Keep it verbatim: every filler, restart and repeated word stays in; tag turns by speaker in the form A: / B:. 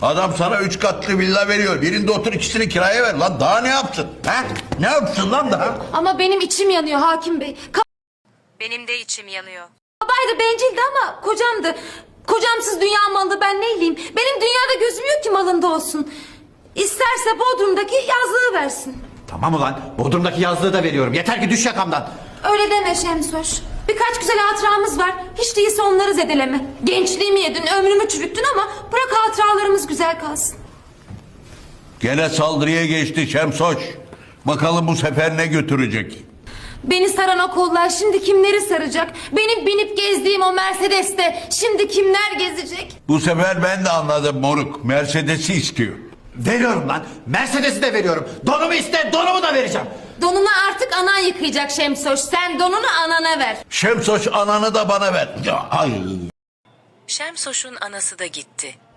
A: Adam sana üç katlı villa veriyor. Birinde otur, ikisini kiraya ver. Lan daha ne yapsın? He? Ne yapsın lan daha?
B: Ama benim içim yanıyor hakim bey.
C: Benim de içim yanıyor.
B: Babaydı, bencildi ama kocamdı. Kocamsız dünya malı, ben neyleyim? Benim dünyada gözüm yok ki malında olsun. İsterse Bodrum'daki yazlığı versin.
D: Tamam ulan, Bodrum'daki yazlığı da veriyorum. Yeter ki düş yakamdan.
B: Öyle deme Şemsoş. Birkaç güzel hatıramız var. Hiç değilse onları zedeleme. Gençliğimi yedin, ömrümü çürüttün ama bırak hatıralarımız güzel kalsın.
A: Gene saldırıya geçti Şemsoç. Bakalım bu sefer ne götürecek?
B: Beni saran o kollar şimdi kimleri saracak? Benim binip gezdiğim o Mercedes'te şimdi kimler gezecek?
A: Bu sefer ben de anladım moruk. Mercedes'i istiyor.
D: Veriyorum lan. Mercedes'i de veriyorum. Donumu iste, donumu da vereceğim.
B: Donunu artık anan yıkayacak Şemsoş. Sen donunu anana ver.
A: Şemsoç ananı da bana ver. Ya, ay.
C: Şemsoş'un anası da gitti.